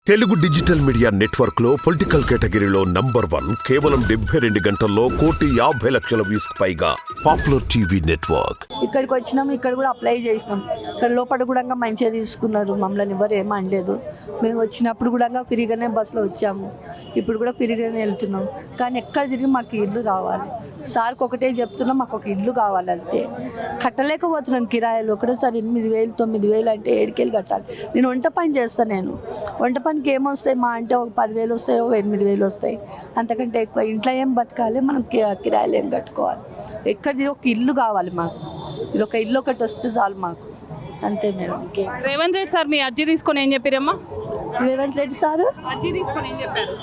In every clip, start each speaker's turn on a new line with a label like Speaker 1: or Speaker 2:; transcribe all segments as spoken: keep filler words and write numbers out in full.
Speaker 1: Telugu digital media network లో political కేటగిరీలో number one కేవలం డెబ్బై రెండు గంటల్లో కోటి యాభై లక్షల వ్యూస్ పైగా పాపులర్ టీవీ నెట్వర్క్.
Speaker 2: ఇక్కడికి వచ్చినాం, ఇక్కడ కూడా అప్లై చేసినాం. ఇక్కడ లోపల కూడా మంచిగా తీసుకున్నారు, మమ్మల్ని ఎవరు ఏమీ అనలేదు. మేము వచ్చినప్పుడు కూడా ఫ్రీగానే బస్సులో వచ్చాము, ఇప్పుడు కూడా ఫ్రీగానే వెళ్తున్నాం. కానీ ఎక్కడ తిరిగి మాకు ఇల్లు కావాలి. సార్కి ఒకటే చెప్తున్నాం, మాకు ఒక ఇల్లు కావాలి అంతే. కట్టలేకపోతున్నాం కిరాయిలు. ఒకటేసారి ఎనిమిది వేలు తొమ్మిది వేలు అంటే ఏడుకేళ్ళు కట్టాలి. నేను వంట పని చేస్తాను. నేను వంట పనికి ఏమొస్తాయి, మా అంటే ఒక పదివేలు వస్తాయి, ఒక ఎనిమిది వేలు వస్తాయి, అంతకంటే ఎక్కువ. ఇంట్లో ఏం బతకాలి, మనం కిరాయిలు ఏం కట్టుకోవాలి. ఎక్కడిది ఒక ఇల్లు కావాలి మాకు. ఇది ఒక ఇల్లు ఒకటి వస్తే చాలు మాకు, అంతే మేడం. ఇంకే
Speaker 3: రేవంత్ రెడ్డి సార్ మీ అర్జీ తీసుకొని ఏం చెప్పారమ్మా?
Speaker 2: రేవంత్ రెడ్డి సారు
Speaker 3: అర్జీ తీసుకొని ఏం చెప్పారు?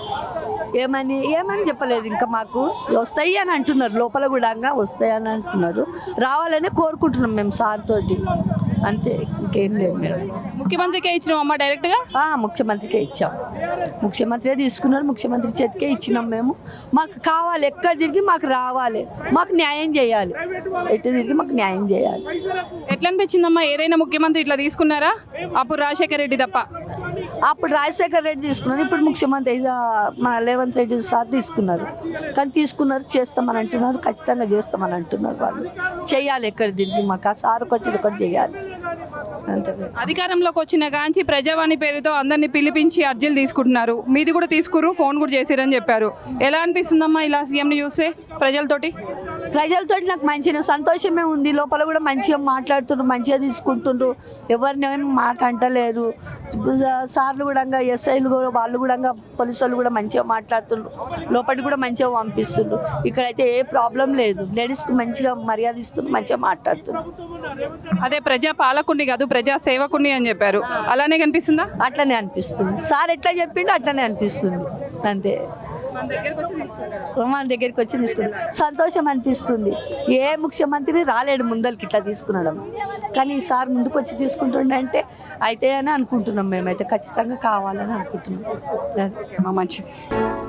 Speaker 2: ఏమని ఏమని చెప్పలేదు. ఇంకా మాకు వస్తాయి అని అంటున్నారు, లోపల కూడా వస్తాయి అని అంటున్నారు. రావాలని కోరుకుంటున్నాం మేము సార్ తోటి, అంతే. ఇంకేం లేదు మేడం.
Speaker 3: ముఖ్యమంత్రికే ఇచ్చినాం అమ్మ డైరెక్ట్గా?
Speaker 2: ముఖ్యమంత్రికే ఇచ్చాం. ముఖ్యమంత్రి తీసుకున్నారు, ముఖ్యమంత్రి చేతికే ఇచ్చినాం మేము. మాకు కావాలి, ఎక్కడ తిరిగి మాకు రావాలి, మాకు న్యాయం చేయాలి. ఎటు తిరిగి మాకు న్యాయం చేయాలి.
Speaker 3: ఎట్లా అనిపించిందమ్మా? ఏదైనా ముఖ్యమంత్రి ఇట్లా తీసుకున్నారా? అప్పుడు రాజశేఖర రెడ్డి తప్ప.
Speaker 2: అప్పుడు రాజశేఖర రెడ్డి తీసుకున్నారు, ఇప్పుడు ముఖ్యమంత్రి మన రేవంత్ రెడ్డి సార్ తీసుకున్నారు. కానీ తీసుకున్నారు, చేస్తామని అంటున్నారు, ఖచ్చితంగా చేస్తామని అంటున్నారు. వాళ్ళు చేయాలి, ఎక్కడ తిరిగి మాకు ఆ సార్ ఒకటి ఇది ఒకటి చేయాలి, అంతే.
Speaker 3: అధికారంలోకి వచ్చిన కాంచి ప్రజావాణి పేరుతో అందరినీ పిలిపించి అర్జీలు తీసుకుంటున్నారు. మీది కూడా తీసుకురు, ఫోన్ కూడా చేసిరని చెప్పారు. ఎలా అనిపిస్తుందమ్మా ఇలా సీఎంని చూస్తే ప్రజలతోటి?
Speaker 2: ప్రజలతో నాకు మంచిగా సంతోషమే ఉంది. లోపల కూడా మంచిగా మాట్లాడుతుండ్రు, మంచిగా తీసుకుంటుండ్రు, ఎవరినేమో మాట అంటలేరు. సార్లు కూడా ఎస్ఐలు కూడా వాళ్ళు కూడా పోలీసు వాళ్ళు కూడా మంచిగా మాట్లాడుతుండ్రు, లోపలికి కూడా మంచిగా పంపిస్తుండ్రు. ఇక్కడైతే ఏ ప్రాబ్లం లేదు, లేడీస్కి మంచిగా మర్యాద ఇస్తుండ్రు, మంచిగా మాట్లాడుతున్నారు.
Speaker 3: అదే ప్రజా పాలకుని కాదు ప్రజా సేవకుని అని చెప్పారు, అలానే కనిపిస్తుందా?
Speaker 2: అట్లనే అనిపిస్తుంది. సార్ ఎట్లా చెప్పిండో అట్లనే అనిపిస్తుంది, అంతే. మన దగ్గరికి వచ్చి తీసుకున్నాం, సంతోషం అనిపిస్తుంది. ఏ ముఖ్యమంత్రి రాలేడు ముందరికి ఇట్లా తీసుకునడం, కానీ ఈసారి ముందుకు వచ్చి తీసుకుంటుండే అంటే అయితే అని అనుకుంటున్నాం. మేమైతే ఖచ్చితంగా కావాలని అనుకుంటున్నాం.
Speaker 3: మంచిది.